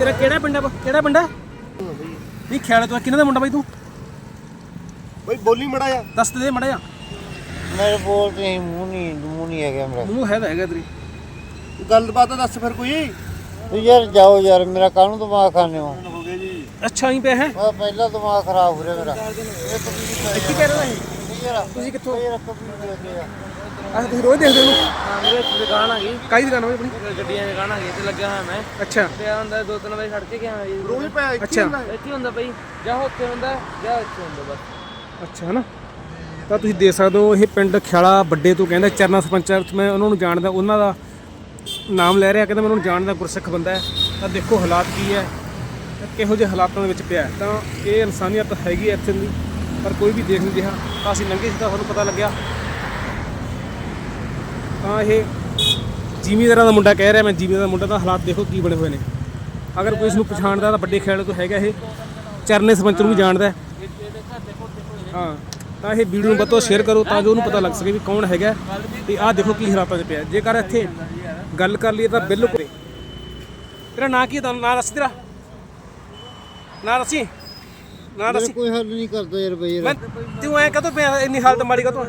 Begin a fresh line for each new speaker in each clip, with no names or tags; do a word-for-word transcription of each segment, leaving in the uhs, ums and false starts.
तेरा केड़ा पिंड है? केड़ा पिंड है? नहीं ख्याल तो किन्ने दा मुंडा बाई तू?
भाई बोली मड़ा जा
दस दे मड़ा जा।
मेरे बोल नहीं मुंह नहीं मुंह नहीं है मेरा।
मुंह है तो है तेरी
गलबात दस फिर कोई
तो यार जाओ यार मेरा कानून दिमाग खाने हो
हो गया जी।
अच्छा ही पे है
पहला दिमाग खराब हो रहा मेरा।
की कह रहा है ਤੁਸੀਂ ਕਿੱਥੋਂ
यार कभी
ਆ ਤੁਸੀਂ ਰੋਜ਼ ਦੇਖਦੇ ਹੋ?
ਹਾਂ ਮੇਰੇ ਇੱਥੇ ਦੁਕਾਨ ਆ ਗਈ
ਕਾਹਦੀ ਦੁਕਾਨ ਹੋਈ ਆਪਣੀ?
ਗੱਡੀਆਂ ਦੀ ਦੁਕਾਨ ਆ ਗਈ ਤੇ ਲੱਗਿਆ ਹੋਇਆ ਮੈਂ
ਅੱਛਾ
ਤੇ ਆ ਹੁੰਦਾ ਦੋ ਤਿੰਨ ਵਜੇ ਛੱਡ ਕੇ ਗਿਆ ਜੀ
ਰੋਜ਼ ਪਿਆ ਇੱਥੇ
ਅੱਛਾ
ਇੱਥੇ ਹੁੰਦਾ ਬਈ ਜਾਂ ਉੱਥੇ ਹੁੰਦਾ ਜਾਂ ਇੱਥੇ ਹੁੰਦਾ ਬਸ।
ਅੱਛਾ ਹਨਾ ਤਾਂ ਤੁਸੀਂ ਦੇਖ ਸਕਦੇ ਹੋ ਇਹ ਪਿੰਡ ਖਿਆਲਾ ਵੱਡੇ ਤੋਂ ਕਹਿੰਦਾ ਚਰਨਾ ਸਰਪੰਚ ਮੈਂ ਉਹਨਾਂ ਨੂੰ ਜਾਣਦਾ ਉਹਨਾਂ ਦਾ ਨਾਮ ਲੈ ਰਿਹਾ ਕਹਿੰਦਾ ਮੈਂ ਉਹਨਾਂ ਨੂੰ ਜਾਣਦਾ ਗੁਰਸਿੱਖ ਬੰਦਾ ਹੈ। ਤਾਂ ਦੇਖੋ ਹਾਲਾਤ ਕੀ ਹੈ ਕਿਹੋ ਜਿਹੇ ਹਾਲਾਤਾਂ ਦੇ ਵਿੱਚ ਪਿਆ ਤਾਂ ਇਹ ਇਨਸਾਨੀਅਤ ਹੈਗੀ ਇੱਥੇ ਦੀ ਪਰ ਕੋਈ ਵੀ ਦੇਖ ਨਹੀਂ ਰਿਹਾ। ਤਾਂ ਅਸੀਂ ਲੰਘੇ ਸੀ ਤਾਂ ਸਾਨੂੰ ਪਤਾ ਲੱਗਿਆ ਤਾਂ ਇਹ ਜ਼ਿਮੀਂਦਾਰਾਂ ਦਾ ਮੁੰਡਾ ਕਹਿ ਰਿਹਾ ਮੈਂ ਜ਼ਿਮੀਂਦਾਰ ਦਾ ਮੁੰਡਾ ਤਾਂ ਹਾਲਾਤ ਦੇਖੋ ਕੀ ਬਣੇ ਹੋਏ ਨੇ। ਅਗਰ ਕੋਈ ਇਸ ਨੂੰ ਪਛਾਣਦਾ ਤਾਂ ਵੱਡੇ ਖਿਆਲੇ ਤੋਂ ਹੈਗਾ ਇਹ ਚਰਨੇ ਸਰਪੰਚ ਨੂੰ ਵੀ ਜਾਣਦਾ ਹਾਂ। ਤਾਂ ਇਹ ਵੀਡੀਓ ਨੂੰ ਵੱਧ ਤੋਂ ਸ਼ੇਅਰ ਕਰੋ ਤਾਂ ਜੋ ਉਹਨੂੰ ਪਤਾ ਲੱਗ ਸਕੇ ਵੀ ਕੌਣ ਹੈਗਾ ਤੇ ਆਹ ਦੇਖੋ ਕੀ ਹਾਲਾਤਾਂ 'ਚ ਪਿਆ। ਜੇਕਰ ਇੱਥੇ ਗੱਲ ਕਰ ਲਈਏ ਤਾਂ ਬਿਲਕੁਲ ਤੇਰਾ ਨਾਂ ਕੀ ਹੈ? ਤੁਹਾਨੂੰ ਨਾਂ ਦੱਸ ਤੇਰਾ ਨਾਂ ਦੱਸੀ ਨਾਂ ਦੱਸੀ।
कोई हल नहीं करता यार भाई
ਮੈਂ ਤੂੰ ਐਂ ਕਦੋਂ ਪਿਆ ਇੰਨੀ ਹਾਲਤ ਮਾੜੀ ਕਦੋਂ?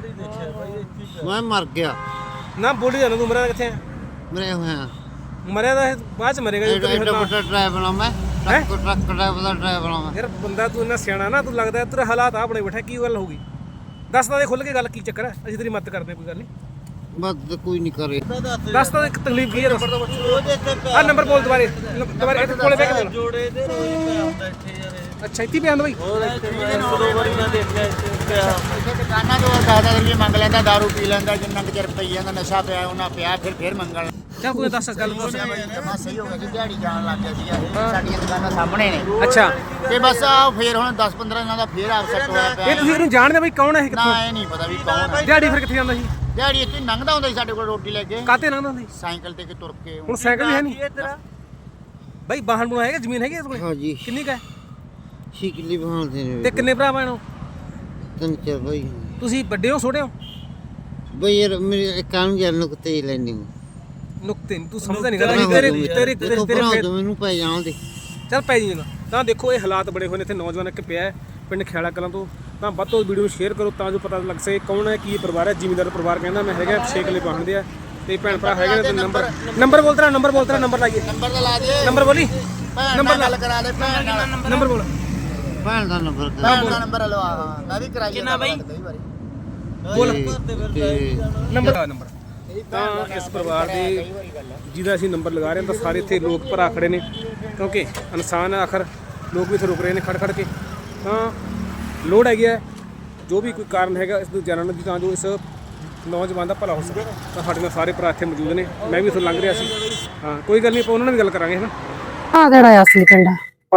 मैं मर गया
ਨਾ ਬੋਲੀ ਜਾਣਾ ਤੂੰ ਮਰਿਆ ਕਿੱਥੇ ਆ?
मरे हुए हैं
ਮਰਿਆ ਤਾਂ ਇਹ ਬਾਅਦ ਚ ਮਰੇਗਾ ਜੀ।
एडा बड़ा ड्राइवर मैं ट्रक ट्रक ड्राइवर ਦਾ ड्राइवर मैं
ਯਾਰ ਬੰਦਾ ਤੂੰ ਇੰਨਾ ਸਿਆਣਾ ਨਾ ਤੂੰ ਲੱਗਦਾ ਤੇਰੇ ਹਾਲਾਤ ਆ ਬਣੇ ਬੈਠਾ ਕੀ ਗੱਲ ਹੋਊਗੀ ਦੱਸ ਤਾਂ ਦੇ ਖੁੱਲ ਕੇ ਗੱਲ ਕੀ ਚੱਕਰ ਹੈ ਅਸੀਂ ਤੇਰੀ ਮਦਦ ਕਰਦੇ ਕੋਈ ਗੱਲ ਨਹੀਂ।
बस कोई नहीं करे
ਦੱਸ ਤਾਂ ਇੱਕ ਤਕਲੀਫ ਕੀ ਹੈ ਦੱਸ। ਆ ਨੰਬਰ ਬੋਲ ਦੁਬਾਰੇ ਦੁਬਾਰੇ ਇੱਥੇ ਕੋਲੇ ਬਹਿ ਕੇ ਬੋਲ।
ਜੋੜੇ ਦੇ ਰੋਜ਼ ਪਿਆ ਹੁੰਦਾ ਇੱਥੇ ਯਾਰ
ਅੱਛਾ ਇੱਥੇ ਪਿਆ ਹੁੰਦਾ ਬਾਈ
ਹੋਰ ਇੱਥੇ ਇੱਕ ਦੋ ਵਾਰੀ ਮੈਂ ਦੇਖਿਆ ਇੱਥੇ ਪਿਆ
ਦੁਕਾਨਾਂ ਤੋਂ ਦਾਦਾ ਰੁਪਏ ਮੰਗ ਲੈਂਦਾ ਦਾਰੂ ਪੀ ਲੈਂਦਾ ਜਿੰਨਾ ਕੁ ਚਿਰ ਪਈ ਜਾਂਦਾ ਨਸ਼ਾ ਪਿਆ ਉਹਨਾਂ ਪਿਆ ਫਿਰ ਫਿਰ ਮੰਗਣ
ਚੱਲ ਕੋਈ ਦੱਸ ਗੱਲ ਦੱਸ
ਜਮਾ ਸਹੀ ਹੋ ਗਿਆ ਜੀ ਦਿਹਾੜੀ ਜਾਣ ਲੱਗ ਗਿਆ ਸੀਗਾ ਇਹ ਸਾਡੀਆਂ ਦੁਕਾਨਾਂ ਸਾਹਮਣੇ ਨੇ
ਅੱਛਾ
ਤੇ ਬਸ ਆ ਫਿਰ ਹੁਣ ਦਸ ਪੰਦਰਾਂ ਦਿਨਾਂ ਦਾ ਫੇਰ ਆਪਸੈਟ ਹੋਇਆ
ਇਹ
ਪਿਆ
ਤੁਸੀਂ ਇਹਨੂੰ ਜਾਣਦੇ ਬਾਈ ਕੌਣ ਹੈ ਇਹ ਕਿੱਥੋਂ?
ਨਾ ਇਹ ਨਹੀਂ ਪਤਾ ਵੀ ਕੌਣ ਹੈ
ਦਿਹਾੜੀ ਫਿਰ ਕਿੱਥੇ ਜਾਂਦਾ ਸੀ?
ਦਿਹਾੜੀ ਇੱਥੇ ਲੰਘਦਾ ਹੁੰਦਾ ਸੀ ਸਾਡੇ ਕੋਲ ਰੋਟੀ ਲੈ ਕੇ
ਕਾਤੇ ਲੰਘਦਾ ਸੀ?
ਸਾਈਕਲ ਤੇ ਕਿ ਤੁਰ ਕੇ
ਹੁਣ ਸਾਈਕਲ ਵੀ ਹੈ ਨਹੀਂ
ਤੇਰਾ
ਬਾਈ ਬਾਹਣ ਬਣਾ ਹੈਗਾ ਜ਼ਮੀਨ ਹੈਗੀ ਇਸ ਕੋਲੇ?
ਹਾਂ ਜੀ
ਕਿੰਨੀ ਕਾ
ਛੇ ਕਿੱਲੇ ਬਹਾਲਦੇ ਨੇ
ਤੇ ਕਿੰਨੇ ਭਰਾ ਭੈਣੋ?
ਤਿੰਨ ਚਾਰ ਬਾਈ
ਤੁਸੀਂ ਵੱਡੇ ਹੋ ਛੋਟੇ ਹੋ?
ਬਈ ਯਾਰ ਮੇਰੇ ਕੰਮ ਜਾਣ ਨੂੰ ਕਿਤੇ ਲੈਣੀ
ਨੁਕਤੇ ਨਹੀਂ ਤੂੰ ਸਮਝਦਾ ਨਹੀਂ ਗੱਲ ਤੇਰੇ ਤੇਰੇ ਤੇਰੇ ਤੇਰੇ
ਮੈਨੂੰ ਪੈ ਜਾਣ ਦੇ
ਚੱਲ ਪੈ ਜੀ ਜਗਾ। ਤਾਂ ਦੇਖੋ ਇਹ ਹਾਲਾਤ ਬੜੇ ਹੋਏ ਨੇ ਇੱਥੇ ਨੌਜਵਾਨ ਇੱਕ ਪਿਆ ਪਿੰਡ ਖਿਆਲਾ ਕਲਾਂ ਤੋਂ। ਤਾਂ ਵੱਧ ਤੋਂ ਵੀਡੀਓ ਨੂੰ ਸ਼ੇਅਰ ਕਰੋ ਤਾਂ ਜੋ ਪਤਾ ਲੱਗ ਸਕੇ ਕੌਣ ਹੈ ਕੀ ਪਰਿਵਾਰ ਹੈ। ਜ਼ਿਮੀਂਦਾਰ ਪਰਿਵਾਰ ਕਹਿੰਦਾ ਮੈਂ ਹੈਗਾ ਛੇ ਕਿੱਲੇ ਬਾਹਣਦੇ ਆ ਤੇ ਭੈਣ ਭਰਾ ਹੈਗੇ ਨੇ ਤੇ ਨੰਬਰ ਨੰਬਰ ਬੋਲ ਤੇਰਾ ਨੰਬਰ ਬੋਲ ਤੇਰਾ ਨੰਬਰ ਲਾਈਏ
ਨੰਬਰ ਤਾਂ ਲਾ ਦੇ
ਨੰਬਰ ਬੋਲੀ
ਨੰਬਰ ਗੱਲ ਕਰਾ ਲੈ ਭੈਣ ਨਾਲ
ਨੰਬਰ ਬੋਲ
ਭੈਣ ਦਾ ਨੰਬਰ ਭੈਣ ਦਾ ਨੰਬਰ ਲਵਾ ਹਾਂ ਮੈਂ ਵੀ ਕਰਾਈ
ਕਿੰਨਾ ਬਾਈ?
ਕਈ ਵਾਰੀ
ਬੋਲ
ਤੇ
ਨੰਬਰ ਨੰਬਰ ਤਾਂ ਇਸ ਪਰਿਵਾਰ ਦੇ ਜਿਹਦਾ ਅਸੀਂ ਨੰਬਰ ਲਗਾ ਰਹੇ ਹਾਂ ਤਾਂ ਸਾਰੇ ਇੱਥੇ ਲੋਕ ਭਰਾ ਖੜੇ ਨੇ ਕਿਉਂਕਿ ਇਨਸਾਨ ਹੈ ਆਖਰ ਲੋਕ ਵੀ ਇੱਥੇ ਰੁਕ ਰਹੇ ਨੇ ਖੜ ਖੜ ਕੇ। ਤਾਂ ਲੋੜ ਹੈਗੀ ਹੈ ਜੋ ਵੀ ਕੋਈ ਕਾਰਨ ਹੈਗਾ ਇਸ ਨੂੰ ਜਾਣਨ ਦੀ ਤਾਂ ਜੋ ਇਸ ਨੌਜਵਾਨ ਦਾ ਭਲਾ ਹੋ ਸਕੇ। ਤਾਂ ਸਾਡੇ ਨਾਲ ਸਾਰੇ ਭਰਾ ਇੱਥੇ ਮੌਜੂਦ ਨੇ ਮੈਂ ਵੀ ਇੱਥੋਂ ਲੰਘ ਰਿਹਾ ਸੀ। ਹਾਂ ਕੋਈ ਗੱਲ ਨਹੀਂ ਆਪਾਂ ਉਹਨਾਂ ਨਾਲ ਵੀ ਗੱਲ ਕਰਾਂਗੇ ਹੈ ਨਾ।
ਆ ਜਿਹੜਾ ਅਸਲੀ ਪਿੰਡ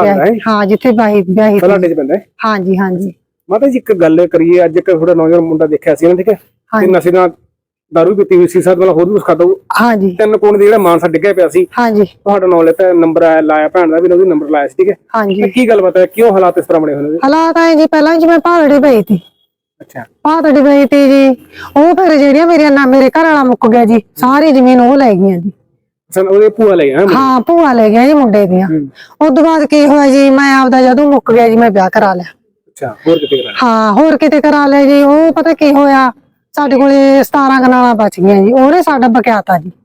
ਹਾਂ ਜਿੱਥੇ ਬਾਈ ਵਿਆਹੀ
ਬਲਾਡੇ ਚ ਪੈਂਦਾ ਹੈ।
ਹਾਂਜੀ ਹਾਂਜੀ
ਮਾਤਾ ਜੀ ਇੱਕ ਗੱਲ ਕਰੀਏ ਅੱਜ ਇੱਕ ਥੋੜਾ ਨੌਜਵਾਨ ਮੁੰਡਾ ਦੇਖਿਆ ਸੀ ਨਾ ਠੀਕ ਹੈ ਤੇ ਨਸ਼ੇ ਨਾਲ ਦਾਰੂ ਪੀਤੀ ਹੋਈ ਸੀ ਸਾਡ ਵਾਲਾ ਹੋਰ ਵੀ ਕੁਛ ਖਾਦਾ
ਹਾਂਜੀ
ਤਿੰਨ ਕੋਣ ਦੇ ਜਿਹੜਾ ਮਾਨਸਾ ਡਿੱਗਿਆ ਪਿਆ ਸੀ
ਹਾਂਜੀ
ਤੁਹਾਡਾ ਨਾਮ ਲੈਤਾ ਨੰਬਰ ਆਇਆ ਲਾਇਆ ਭੈਣ ਦਾ ਵੀ ਉਹਦੀ ਨੰਬਰ ਲਾਇਆ ਸੀ ਠੀਕ ਹੈ
ਹਾਂਜੀ
ਕੀ ਗੱਲ ਬਤਾ ਕਿਉਂ ਹਾਲਾਤ ਇਸ ਤਰ੍ਹਾਂ ਬਣੇ ਹੋਏ ਨੇ?
ਹਾਲਾਤ ਆਏ ਜੀ ਪਹਿਲਾਂ ਜਿਵੇਂ ਪਹਾੜੀ ਪਈ ਸੀ
ਅੱਛਾ
ਪਹਾੜੀ ਪਈ ਤੀ ਜੀ ਉਹ ਫਿਰ ਜਿਹੜੀਆਂ ਮੇਰੀਆਂ ਨਾ ਮੇਰੇ ਘਰ ਵਾਲਾ ਮੁੱਕ ਗਿਆ ਜੀ ਸਾਰੀ ਜ਼ਮੀਨ ਉਹ ਲੈ ਗਈਆਂ ਜੀ।
ਸਨ ਉਹਦੇ ਭੂਆ ਲੈ ਗਿਆ
ਹਾਂ ਭੂਆ ਲੈ ਗਿਆ ਜੀ ਮੁੰਡੇ ਦੀਆਂ। ਉਸ ਤੋਂ ਬਾਅਦ ਕੀ ਹੋਇਆ ਜੀ ਮੈਂ ਆਪਦਾ ਜਦੋਂ ਮੁੱਕ ਗਿਆ ਜੀ ਮੈਂ ਵਿਆਹ ਕਰਾ ਲਿਆ।
ਅੱਛਾ ਹੋਰ ਕਿਤੇ ਕਰਾ
ਹਾਂ ਹੋਰ ਕਿਤੇ ਕਰਾ ਲਿਆ ਜੀ। ਉਹ ਪਤਾ ਕੀ ਹੋਇਆ ਸਾਡੇ ਕੋਲੇ ਸਤਾਰਾਂ ਕਨਾਲਾਂ ਬਚ ਗਈਆਂ ਜੀ ਉਹਨੇ ਸਾਡਾ ਬਕਿਆਤਾ ਜੀ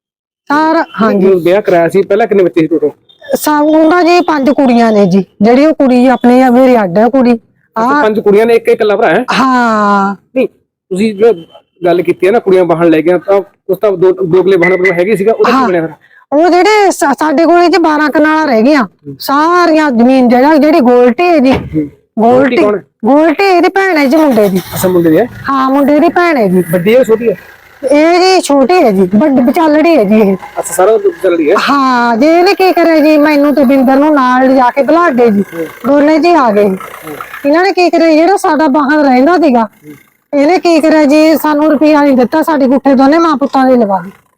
ਸਾਰਾ। ਹਾਂਜੀ
ਵਿਆਹ ਕਰਾਇਆ ਸੀ ਪਹਿਲਾਂ ਕਿੰਨੇ ਬੱਚੇ ਸੀ ਟੋਟਲ?
ਸਭ ਉਹਨਾਂ ਜੀ ਪੰਜ ਕੁੜੀਆਂ ਨੇ ਜੀ ਜਿਹੜੀ ਉਹ ਕੁੜੀ ਆਪਣੀ ਮੇਰੀ ਅੱਡ ਹੈ ਕੁੜੀ ਆ
ਪੰਜ ਕੁੜੀਆਂ ਨੇ ਇੱਕ ਇਕੱਲਾ ਭਰਾ ਹੈ?
ਹਾਂ
ਨਹੀਂ ਤੁਸੀਂ ਜੋ ਗੱਲ ਕੀਤੀ ਹੈ ਨਾ ਕੁੜੀਆਂ ਬਾਹਣ ਲੈ ਗਿਆ ਤਾਂ ਉਸ ਤਾਂ ਦੋ ਦੋਗਲੇ ਬਾਹਣ ਪਰ ਹੈਗੇ ਸੀਗਾ ਉਹਦਾ ਕੀ ਬਣਿਆ ਫਿਰ?
ਉਹ ਜਿਹੜੇ ਸਾਡੇ ਕੋਲੇ ਜੀ ਬਾਰਾਂ ਕਨਾਲਾਂ ਰਹਿ ਗਈਆਂ ਸਾਰੀਆਂ ਜ਼ਮੀਨ ਜਿਹੜਾ ਜਿਹੜੀ ਗੋਲਟੀ ਹੈ ਜੀ ਗੋਲਟੀ ਗੋਲਟੀ ਇਹਦੀ ਭੈਣ ਹੈ ਜੀ ਮੁੰਡੇ ਦੀ।
ਅੱਛਾ ਮੁੰਡੇ ਦੀ ਹੈ?
ਹਾਂ ਮੁੰਡੇ ਦੀ ਭੈਣ ਹੈ ਜੀ।
ਵੱਡੀ ਹੈ ਛੋਟੀ ਹੈ?
ਇਹ ਜੀ ਛੋਟੀ ਹੈ ਜੀ ਵੱਡੀ ਵਿਚਾਲੜੀ ਹੈ ਜੀ ਇਹ।
ਅੱਛਾ ਸਾਰਾ ਚੱਲ ਰਹੀ ਹੈ?
ਹਾਂ ਜੇ ਇਹਨੇ ਕੀ ਕਰਿਆ ਜੀ ਮੈਨੂੰ ਤੇ ਬਿੰਦਰ ਨੂੰ ਨਾਲ ਲਿਜਾ ਕੇ ਬੁਲਾਡੇ ਜੀ ਦੋਨੇ ਜੀ ਆ ਗਏ। ਇਹਨਾਂ ਨੇ ਕੀ ਕਰਿਆ ਜਿਹੜਾ ਸਾਡਾ ਬਾਹਰ ਰਹਿੰਦਾ ਸੀਗਾ ਇਹਨੇ ਕੀ ਕਰਿਆ ਜੀ ਸਾਨੂੰ ਰੁਪਈਆ ਨਹੀਂ ਦਿੱਤਾ ਸਾਡੀ ਗੁੱਠੇ ਦੋਨੇ ਮਾਂ ਪੁੱਤਾਂ ਦੇ ਲਵਾ ਗਏ।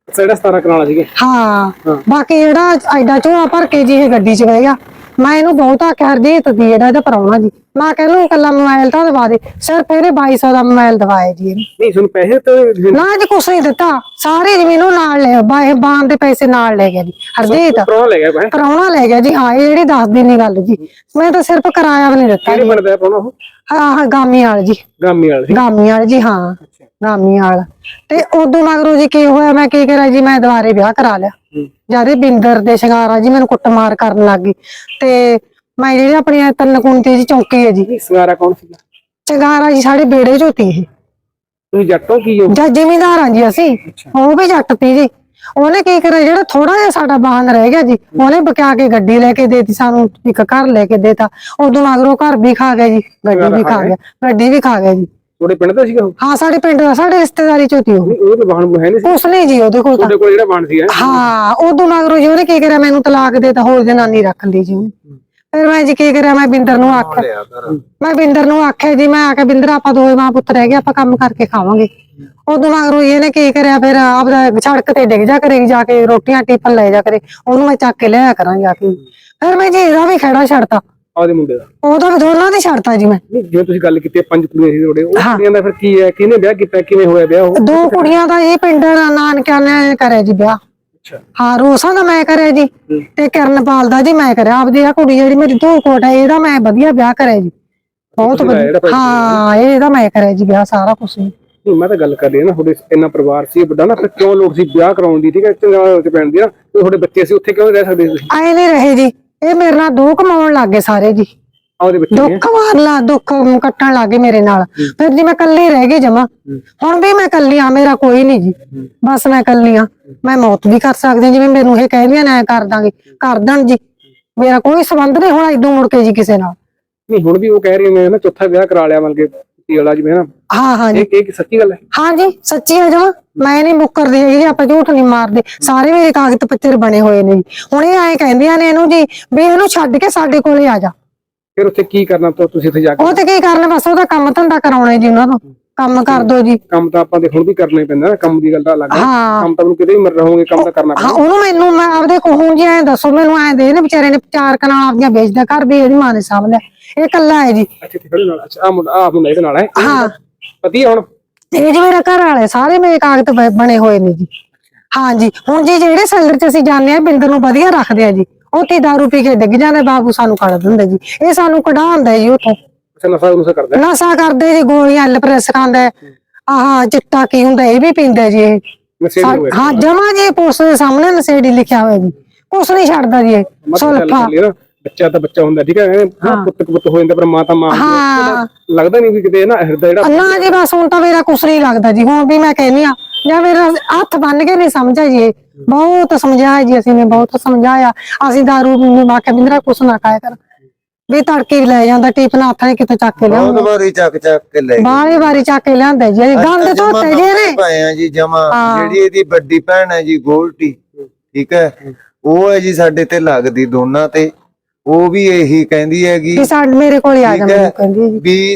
ਸਾਡਾ ਸਤਾਰਾਂ ਕਨਾਲਾ ਸੀਗੇ।
ਹਾਂ ਬਾਕੀ ਜਿਹੜਾ ਐਡਾ ਝੋਲਾ ਭਰ ਕੇ ਜੀ ਇਹ ਗੱਡੀ ਚ ਬਹਿ ਗਿਆ। ਮੈਂ ਇਹਨੂੰ ਬਹੁਤ ਆਖਿਆ ਹਰਜੀਤ ਦੀ ਜਿਹੜਾ ਇਹਦਾ ਪ੍ਰਾਹੁਣਾ ਜੀ, ਮੈਂ ਕਹਿੰਦਾ ਕੱਲਾ ਮੋਬਾਈਲ ਤਾਂ ਦਵਾ ਦੇ, ਸਿਰਫ ਇਹਨੇ ਬਾਈ ਸੌ ਦਾ ਮੋਬਾਈਲ ਦਵਾਇਆ ਜੀ ਇਹਨੂੰ।
ਨਹੀਂ ਤੁਹਾਨੂੰ ਪੈਸੇ ਤਾਂ
ਨਾ ਜੀ ਕੁਛ ਨਹੀਂ ਦਿੱਤਾ, ਸਾਰੇ ਜ਼ਮੀਨ ਉਹ ਨਾਲ ਲੈ ਬਾਏ ਬਾਣ ਦੇ ਪੈਸੇ ਨਾਲ ਲੈ ਗਿਆ ਜੀ ਹਰਜੀਤ।
ਪ੍ਰਾਹੁਣਾ ਲੈ ਗਿਆ ਭਾਈ,
ਪ੍ਰਾਹੁਣਾ ਲੈ ਗਿਆ ਜੀ। ਹਾਂ ਇਹ ਜਿਹੜੀ ਦੱਸਦੀ ਨੀ ਗੱਲ ਜੀ, ਮੈਂ ਤਾਂ ਸਿਰਫ ਕਿਰਾਇਆ ਵੀ ਨਹੀਂ ਦਿੱਤਾ
ਕਿਹੜੇ
ਜੀ।
ਬਣਦਾ ਪ੍ਰਾਹੁਣਾ ਉਹ?
ਹਾਂ ਹਾਂ ਗਾਮੀ ਵਾਲ ਜੀ,
ਗਾਮੀ ਵਾਲਾ ਸੀ।
ਗਾਮੀ ਵਾਲ ਜੀ, ਹਾਂ ਗਾਮੀ ਵਾਲ। ਤੇ ਉਦੋਂ ਮਗਰੋਂ ਜੀ ਕੀ ਹੋਇਆ, ਮੈਂ ਕੀ ਕਰਾਂ ਜੀ, ਮੈਂ ਦੁਬਾਰੇ ਵਿਆਹ ਕਰਾ ਲਿਆ। ਜਦ ਬਿੰਦਰ ਦੇ ਸ਼ਿੰਗਾਰਾ ਜੀ ਮੈਨੂੰ ਕੁੱਟਮਾਰ ਕਰਨ ਲੱਗ ਗਈ, ਤੇ ਮੈਂ ਜਿਹੜੀ ਆਪਣੀ ਤਿੰਨ ਕੁੰਤੀ ਜੀ ਚੌਂਕੀ ਹੈ ਜੀ।
ਸੰਗਾਰਾ ਕੌਣ ਸੀਗਾ?
ਸ਼ਿੰਗਾਰਾ ਜੀ ਸਾਡੇ ਬੇੜੇ ਝੋਤੀ ਇਹ।
ਤੁਸੀਂ ਜੱਟੋਂ ਕੀ ਹੋ?
ਜਾਂ ਜ਼ਿਮੀਂਦਾਰ ਹਾਂ ਜੀ ਅਸੀਂ, ਉਹ ਵੀ ਜੱਟ ਤੀ ਜੀ। ਉਹਨੇ ਕੀ ਕਰਿਆ, ਜਿਹੜਾ ਥੋੜਾ ਜਿਹਾ ਸਾਡਾ ਵਾਹਨ ਰਹਿ ਗਿਆ ਜੀ, ਉਹਨੇ ਬਕਾ ਕੇ ਗੱਡੀ ਲੈ ਕੇ ਦੇਤੀ ਸਾਨੂੰ, ਇੱਕ ਘਰ ਲੈ ਕੇ ਦੇਤਾ। ਉਦੋਂ ਮਗਰੋਂ ਘਰ ਵੀ ਖਾ ਗਿਆ ਜੀ, ਗੱਡੀ ਵੀ ਖਾ ਗਿਆ, ਗੱਡੀ ਵੀ ਖਾ ਗਿਆ ਜੀ।
ਤੁਹਾਡੇ ਪਿੰਡ ਦਾ ਸੀਗਾ ਉਹ?
ਹਾਂ ਸਾਡੇ ਪਿੰਡ ਦਾ, ਸਾਡੇ ਰਿਸ਼ਤੇਦਾਰੀ ਚੋਂ ਤੀ ਉਹ।
ਉਹ ਤਾਂ ਵਾਹਨ ਹੈ ਨਹੀਂ ਸੀ
ਉਸ ਨੇ ਜੀ ਉਹਦੇ ਕੋਲ ਤਾਂ।
ਤੁਹਾਡੇ ਕੋਲ ਜਿਹੜਾ ਵਾਹਨ ਸੀਗਾ?
ਹਾਂ ਉਦੋਂ ਮਗਰੋਂ ਜੀ ਉਹਨੇ ਕੀ ਕਰਿਆ, ਮੈਨੂੰ ਤਲਾਕ ਦੇ ਤਾ, ਹੋਰ ਜਨਾਨੀ ਰੱਖ ਲਈ ਜੀ ਉਹਨੇ। ਫਿਰ ਮੈਂ ਜੀ ਕੀ ਕਰਿਆ, ਮੈਂ ਬਿੰਦਰ ਨੂੰ ਆਖਿਆ, ਮੈਂ ਬਿੰਦਰ ਨੂੰ ਆਖਿਆ ਜੀ, ਮੈਂ ਆਖਿਆ ਬਿੰਦਰ ਆਪਾਂ ਦੋਵੇਂ ਮਾਂ ਪੁੱਤ ਰਹਿ ਗਏ, ਆਪਾਂ ਕੰਮ ਕਰਕੇ ਖਾਵਾਂਗੇ। ਉਦੋਂ ਮਗਰੋਂ ਇਹਨੇ ਕੀ ਕਰਿਆ, ਫਿਰ ਆਪਦਾ ਸੜਕ ਤੇ ਡਿੱਗ ਜਾ ਕਰੇਗੀ, ਜਾ ਕੇ ਰੋਟੀਆਂ ਟਿਫਨ ਲੈ ਜਾ ਕਰੇ, ਉਹਨੂੰ ਮੈਂ ਚੱਕ ਕੇ ਲਿਆਇਆ ਕਰਾਂ ਜਾ ਕੇ। ਫਿਰ ਮੈਂ ਜੀ ਇਹਦਾ ਵੀ ਖਹਿੜਾ ਛੱਡਤਾ,
ਆਪਦੇ ਮੁੰਡੇ ਦਾ?
ਉਹਦਾ ਵੀ ਦੋਨਾਂ ਦੀ ਛੱਡਤਾ ਜੀ ਮੈਂ।
ਜਿਵੇਂ ਤੁਸੀਂ ਗੱਲ ਕੀਤੀ ਪੰਜ ਕੁੜੀਆਂ ਸੀ ਤੁਹਾਡੇ, ਉਹ ਕੁੜੀਆਂ ਦਾ ਫਿਰ ਕੀ ਹੈ, ਕਿਹਨੇ ਵਿਆਹ ਕੀਤਾ, ਕਿਵੇਂ ਹੋਇਆ ਵਿਆਹ ਉਹ?
ਦੋ ਕੁੜੀਆਂ ਦਾ ਇਹ ਪਿੰਡ ਨਾਨਕਿਆਂ ਨੇ ਕਰਿਆ ਜੀ ਵਿਆਹ। ਹਾਂ ਰੋਸਾਂ ਦਾ ਮੈਂ ਕਰਿਆ ਜੀ, ਤੇ ਕਿਰਨਪਾਲ ਦਾ ਜੀ ਮੈਂ ਕਰਿਆ। ਆਪਦੀ ਆ ਕੁੜੀ ਜਿਹੜੀ ਮੇਰੀ ਧੋ ਕੋਟ ਹੈ, ਇਹਦਾ ਮੈਂ ਵਧੀਆ ਵਿਆਹ ਕਰਿਆ ਜੀ, ਬਹੁਤ ਵਧੀਆ। ਹਾਂ ਇਹਦਾ ਮੈਂ ਕਰਿਆ ਜੀ ਵਿਆਹ, ਸਾਰਾ ਕੁਛ।
ਨਹੀਂ ਮੈਂ ਤਾਂ ਗੱਲ ਕਰ ਰਹੀ ਹਾਂ ਨਾ, ਤੁਹਾਡੇ ਇੰਨਾ ਪਰਿਵਾਰ ਸੀ ਵੱਡਾ ਨਾ, ਫਿਰ ਕਿਉਂ ਲੋਕ ਸੀ ਵਿਆਹ ਕਰਾਉਣ ਦੀ? ਠੀਕ ਹੈ ਚੰਗਾ ਚ ਪੈਣ ਦੀ ਨਾ, ਤੁਹਾਡੇ ਬੱਚੇ ਸੀ ਉੱਥੇ ਕਿਉਂ ਰਹਿ ਸਕਦੇ ਤੁਸੀਂ?
ਆਏ ਨਹੀਂ ਰਹੇ ਜੀ, ਇਹ ਮੇਰੇ ਨਾਲ ਦੋ ਕਮਾਉਣ ਲੱਗ ਗਏ ਸਾਰੇ ਜੀ,
ਆਪਦੇ ਬੱਚੇ
ਦੁੱਖ ਵਾਰ ਲਾ ਦੁੱਖ ਕੱਟਣ ਲੱਗ ਗਏ ਮੇਰੇ ਨਾਲ। ਫਿਰ ਜੀ ਮੈਂ ਕੱਲੀ ਰਹਿ ਗਈ ਜਮਾ, ਹੁਣ ਵੀ ਮੈਂ ਕੱਲੀ ਆ, ਮੇਰਾ ਕੋਈ ਨਹੀਂ ਜੀ, ਬਸ ਮੈਂ ਕੱਲੀ ਆ। ਮੈਂ ਮੌਤ ਵੀ ਕਰ ਸਕਦੀ ਹਾਂ, ਜਿਵੇਂ ਮੈਨੂੰ ਇਹ ਕਹਿੰਦੀਆਂ ਨੇ ਐ ਕਰ ਦਾਂਗੇ, ਕਰ ਦੇਣ ਜੀ, ਮੇਰਾ ਕੋਈ ਸੰਬੰਧ ਨਹੀਂ ਹੁਣ ਇਦੋਂ ਮੁੜ ਕੇ ਜੀ ਕਿਸੇ ਨਾਲ।
ਨਹੀਂ ਹੁਣ ਵੀ ਉਹ ਕਹਿ ਰਹੇ ਨੇ ਨਾ ਚੌਥਾ ਵਿਆਹ ਕਰਾ ਲਿਆ ਮਤਲਬ ਕਿ ਵਾਲਾ ਜਿਵੇਂ ਨਾ।
ਹਾਂ ਹਾਂ ਜੀ,
ਇਹ ਸੱਚੀ ਗੱਲ ਹੈ?
ਹਾਂ ਜੀ ਸੱਚੀ ਹੈ ਜਮਾ, ਮੈਂ ਨਹੀਂ ਮੁੱਕਰਦੀ ਹੈਗੀ ਜੀ, ਆਪਾਂ ਝੂਠ ਨਹੀਂ ਮਾਰਦੇ, ਸਾਰੇ ਮੇਰੇ ਕਾਗਜ਼ ਪੱਤਰ ਬਣੇ ਹੋਏ ਨੇ ਜੀ। ਹੁਣ ਇਹ ਐਂ ਕਹਿੰਦੀਆਂ ਨੇ ਇਹਨੂੰ ਜੀ ਵੀ ਇਹਨੂੰ ਛੱਡ ਕੇ ਸਾਡੇ ਕੋਲੇ ਆ ਜਾ।
ਫਿਰ ਉੱਥੇ ਕੀ ਕਰਨਾ ਤੁਸੀਂ ਉੱਥੇ ਜਾ ਕੇ?
ਉਹ ਤੇ ਕੀ ਕਰਨਾ, ਬਸ ਉਹਦਾ ਕੰਮ ਧੰਦਾ ਕਰਾਉਣਾ ਜੀ, ਉਹਨਾਂ ਤੋਂ ਕੰਮ ਕਰ ਦੋ ਜੀ।
ਕੰਮ ਤਾਂ ਆਪਾਂ ਦੇ ਹੁਣ ਵੀ ਕਰਨਾ ਹੀ ਪੈਂਦਾ, ਕੰਮ ਦੀ ਗੱਲ ਤਾਂ ਅਲੱਗ ਹੈ,
ਹਾਂ
ਕੰਮ ਤਾਂ ਨੂੰ ਕਿਤੇ ਵੀ ਮਰ ਰਹੋਗੇ, ਕੰਮ ਤਾਂ ਕਰਨਾ
ਹਾਂ ਉਹਨੂੰ ਮੈਨੂੰ ਮੈਂ ਆਪਦੇ ਕੋਹੋਂ ਜੀ ਐਂ ਦੱਸੋ, ਮੈਨੂੰ ਐਂ ਦੇ ਨੇ ਵਿਚਾਰੇ ਨੇ ਚਾਰ ਕਨਾਲ ਆਪਦੀਆਂ ਵੇਚਦਾ, ਘਰ ਵੀ ਇਹਦੀ ਮਾਂ ਨੇ ਸਾਂਭ ਲਿਆ, ਇਹ ਕੱਲਾ ਹੈ ਜੀ।
ਅੱਛਾ ਤੇ ਨਾਲ? ਅੱਛਾ ਆ ਮੁੰਡਾ, ਆ ਮੁੰਡਾ ਇਹਦੇ ਨਾਲ ਹੈ?
ਹਾਂ
ਪਤੀ ਹੁਣ
ਇਹ ਜੀ ਮੇਰਾ ਘਰ ਵਾਲੇ, ਸਾਰੇ ਮੇਰੇ ਕਾਗਜ਼ ਬ- ਬਣੇ ਹੋਏ ਨੇ ਜੀ। ਹਾਂ ਜੀ ਹੁਣ ਜੀ ਜਿਹੜੇ ਸੈਲਰ ਚ ਅਸੀਂ ਜਾਂਦੇ ਆ, ਬਿੰਦਰ ਨੂੰ ਵਧੀਆ ਰੱਖਦੇ ਆ ਜੀ, ਉੱਥੇ ਦਾਰੂ ਪੀ ਕੇ ਡਿੱਗ ਜਾਂਦੇ, ਬਾਬੂ ਸਾਨੂੰ ਕੱਢ ਦਿੰਦੇ ਜੀ, ਇਹ ਸਾਨੂੰ ਕਢਾਉਂਦਾ ਜੀ ਉੱਥੋਂ।
ਅੱਛਾ ਨਸ਼ਾ ਨੁਸ਼ਾ ਕਰਦਾ?
ਨਸ਼ਾ ਕਰਦੇ ਜੀ, ਗੋਲੀਆਂ ਐਲ ਪ੍ਰੈਸ ਖਾਂਦਾ, ਆਹ ਚਿੱਟਾ ਕੀ ਹੁੰਦਾ ਇਹ ਵੀ ਪੀਂਦਾ ਜੀ ਇਹ।
ਨਸ਼ੇ ਦੀ ਹੋਇਆ?
ਹਾਂ ਜਮਾ ਜੀ, ਪੁਲਿਸ ਦੇ ਸਾਹਮਣੇ ਨਸ਼ੇੜੀ ਲਿਖਿਆ ਹੋਇਆ ਜੀ, ਕੁਛ ਨਹੀਂ ਛੱਡਦਾ ਜੀ ਇਹ। ਸੁਲਫਾ
ਬੱਚਾ ਤਾਂ ਬੱਚਾ ਹੁੰਦਾ, ਠੀਕ ਹੈ, ਪੁੱਤ ਪੁੱਤ ਹੋ ਜਾਂਦਾ, ਪਰ ਮਾਂ ਤਾਂ ਮਾਂ।
ਹਾਂ
ਲੱਗਦਾ ਨਹੀਂ ਵੀ ਕਿਤੇ ਨਾ ਹਿਰਦਾ ਜਿਹੜਾ
ਨਾ ਜੀ, ਬਸ ਹੁਣ ਤਾਂ ਮੇਰਾ ਕੁਛ ਨਹੀਂ ਲੱਗਦਾ ਜੀ, ਹੁਣ ਵੀ ਮੈਂ ਕਹਿੰਦੀ ਆ, ਜਾਂ ਮੇਰਾ ਹੱਥ ਬੰਨ ਕੇ ਨਹੀਂ ਸਮਝਿਆ ਜੀ, ਇਹ ਬਹੁਤ ਸਮਝਾਇਆ ਜੀ, ਅਸੀਂ ਨੇ ਬਹੁਤ ਸਮਝਾਇਆ। ਅਸੀਂ ਦਾਰੂ ਆਖਿਆ ਬਿੰਦਰਾ ਕੁਛ ਨਾ ਖਾਇਆ ਕਰ, ਵੀ ਤੜਕੇ ਲੈ ਜਾਂਦਾ ਟਿਫਨ ਹੱਥ ਨੇ ਕਿਤੇ ਚੱਕ ਕੇ ਲਿਆਉਂਦਾ,
ਬਹੁਤ ਵਾਰੀ ਚੱਕ ਚੱਕ ਕੇ ਲੈ ਗਏ,
ਬਾਰੇ ਵਾਰੀ ਚੱਕ ਕੇ ਲਿਆਂਦਾ ਜੀ, ਗੰਦ ਧੋਤੇ ਜੀ ਨੇ
ਪਏ ਆ ਜੀ ਜਮਾ। ਜਿਹੜੀ ਇਹਦੀ ਵੱਡੀ ਭੈਣ ਹੈ ਜੀ ਗੋਲਟੀ, ਠੀਕ ਹੈ, ਉਹ ਹੈ ਜੀ ਸਾਡੇ ਤੇ ਲੱਗਦੀ ਦੋਨਾਂ ਤੇ, ਉਹ ਵੀ ਇਹੀ ਕਹਿੰਦੀ ਹੈਗੀ
ਵੀ ਸਾਡੇ ਮੇਰੇ ਕੋਲ ਆ ਜਾ, ਮੈਨੂੰ ਕਹਿੰਦੀ ਜੀ
ਵੀ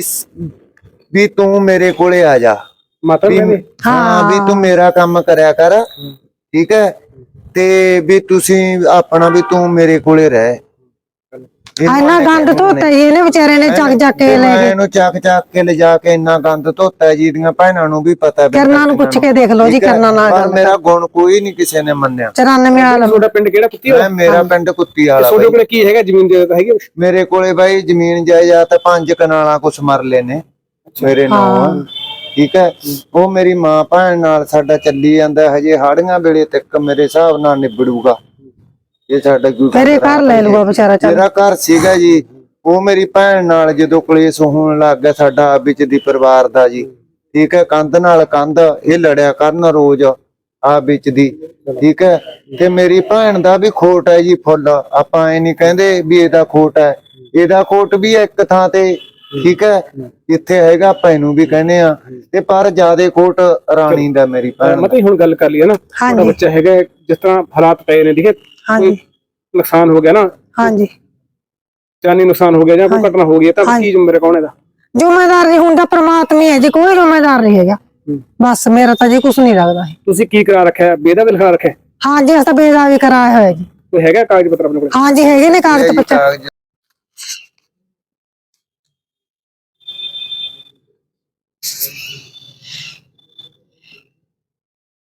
ਵੀ ਤੂੰ ਮੇਰੇ ਕੋਲੇ ਆ ਜਾ,
ਮਾਤਾ
ਵੀ ਹਾਂ ਵੀ ਤੂੰ ਮੇਰਾ ਕੰਮ ਕਰਿਆ ਕਰ, ਠੀਕ ਹੈ, ਤੇ ਵੀ ਤੁਸੀਂ ਆਪਣਾ ਵੀ ਤੂੰ ਮੇਰੇ ਕੋਲੇ ਰਹਿ।
ਇੰਨਾ ਗੰਦ ਧੋਤਾ ਜੀ ਇਹਨੇ ਵਿਚਾਰੇ ਨੇ, ਚੱਕ ਚੱਕ ਕੇ ਲੈ ਗਏ
ਇਹਨੂੰ ਚੱਕ ਚੱਕ ਕੇ ਲਿਜਾ ਕੇ ਇੰਨਾ ਗੰਦ ਧੋਤਾ ਜੀ, ਦੀਆਂ ਭੈਣਾਂ ਨੂੰ ਵੀ ਪਤਾ,
ਕਰਨਾ ਨੂੰ ਪੁੱਛ ਕੇ ਦੇਖ ਲਓ ਜੀ, ਕਰਨਾ ਨਾਲ
ਪਰ ਮੇਰਾ ਗੁਣ ਕੋਈ ਨਹੀਂ ਕਿਸੇ ਨੇ ਮੰਨਿਆ।
ਚੁਰਾਨਵੇਂ ਵਾਲਾ
ਤੁਹਾਡਾ ਪਿੰਡ ਕਿਹੜਾ? ਕੁੱਤੀ ਵਾਲਾ?
ਮੇਰਾ ਪਿੰਡ ਕੁੱਤੀ ਵਾਲਾ।
ਤੁਹਾਡੇ ਕੋਲ ਕੀ ਹੈਗਾ, ਜ਼ਮੀਨ ਜਾਇਦਾਦ ਹੈਗੀ?
ਮੇਰੇ ਕੋਲੇ ਬਾਈ ਜ਼ਮੀਨ ਜਾਇਦਾਦ ਪੰਜ ਕਨਾਲਾਂ ਕੁਛ ਮਰਲੇ ਨੇ ਮੇਰੇ ਨਾਲ, ਠੀਕ ਹੈ। ਉਹ ਮੇਰੀ ਮਾਂ ਭੈਣ ਨਾਲ ਸਾਡਾ ਚੱਲੀ ਜਾਂਦਾ, ਹਜੇ ਹਾੜੀਆਂ ਵੇਲੇ ਤੱਕ ਮੇਰੇ ਹਿਸਾਬ ਨਾਲ ਨਿਬੜੂਗਾ, ਇਹ ਸਾਡਾ ਕੋਈ
ਮੇਰੇ ਘਰ ਲੈ ਲੂਗਾ ਵਿਚਾਰਾ। ਚੱਲ
ਮੇਰਾ ਘਰ ਸੀਗਾ ਜੀ, ਉਹ ਮੇਰੀ ਭੈਣ ਨਾਲ ਜਦੋਂ ਕਲੇਸ਼ ਹੋਣ ਲੱਗ ਗਿਆ ਸਾਡਾ ਵਿੱਚ ਦੀ ਪਰਿਵਾਰ ਦਾ ਜੀ, ਠੀਕ ਹੈ, ਕੰਧ ਨਾਲ ਕੰਧ ਇਹ ਲੜਿਆ ਕਰਨ ਰੋਜ਼ ਆ ਵਿੱਚ ਦੀ, ਠੀਕ ਹੈ। ਤੇ ਮੇਰੀ ਭੈਣ ਦਾ ਵੀ ਖੋਟ ਹੈ ਜੀ ਫੁੱਲ, ਆਪਾਂ ਇਹ ਨਹੀਂ ਕਹਿੰਦੇ ਵੀ ਇਹਦਾ ਖੋਟ ਹੈ, ਇਹਦਾ ਖੋਟ ਵੀ ਇੱਕ ਥਾਂ ਤੇ, ਠੀਕ ਹੈ, ਜਿੱਥੇ ਹੈਗਾ ਆਪਾਂ ਇਹਨੂੰ ਵੀ ਕਹਿੰਦੇ ਆ, ਤੇ ਪਰ ਜਿਆਦੇ ਖੋਟ ਰਾਣੀ ਦਾ ਮੇਰੀ ਭੈਣ।
ਮਤਲਬ ਹੁਣ ਗੱਲ ਕਰ ਲਈ ਨਾ, ਤੁਹਾਡਾ ਬੱਚਾ ਹੈਗਾ, ਜਿਸ ਤਰ੍ਹਾਂ ਹਾਲਾਤ ਪਏ ਨੇ, ਠੀਕ ਹੈ,
ਹਾਂਜੀ
ਨੁਕਸਾਨ ਹੋ ਗਿਆ ਨਾ,
ਹਾਂਜੀ
ਜਾਨੀ ਨੁਕਸਾਨ ਹੋ ਗਿਆ ਜਾਂ ਕੋਈ ਘਟਨਾ ਹੋ ਗਈ, ਤਾਂ ਕੀ ਜ਼ਿੰਮੇਵਾਰ ਕੌਣ ਇਹਦਾ?
ਜ਼ਿੰਮੇਦਾਰ ਨਹੀਂ ਹੁੰਦਾ, ਪ੍ਰਮਾਤਮਾ ਹੈ ਜੀ, ਕੋਈ ਜ਼ਿੰਮੇਦਾਰ ਨਹੀਂ ਹੈਗਾ। ਬਸ ਮੇਰਾ ਤਾਂ ਜੀ ਕੁਝ ਨਹੀਂ ਲੱਗਦਾ ਹੈ।
ਤੁਸੀਂ ਕੀ ਕਰਾ ਰੱਖਿਆ? ਬੇਦਾ ਵੀ ਲਿਖਾ ਰੱਖਿਆ?
ਹਾਂ ਜੀ ਅਸੀਂ ਤਾਂ ਬੇਦਾ ਵੀ ਕਰਾਇਆ ਹੋਇਆ ਜੀ।
ਕੋਈ ਹੈਗਾ ਕਾਗਜ਼ ਪੱਤਰ ਆਪਣੇ ਕੋਲ?
ਹਾਂ ਜੀ ਹੈਗੇ ਨੇ ਕਾਗਜ਼ ਪੱਤਰ।
ਕਾਗਜ਼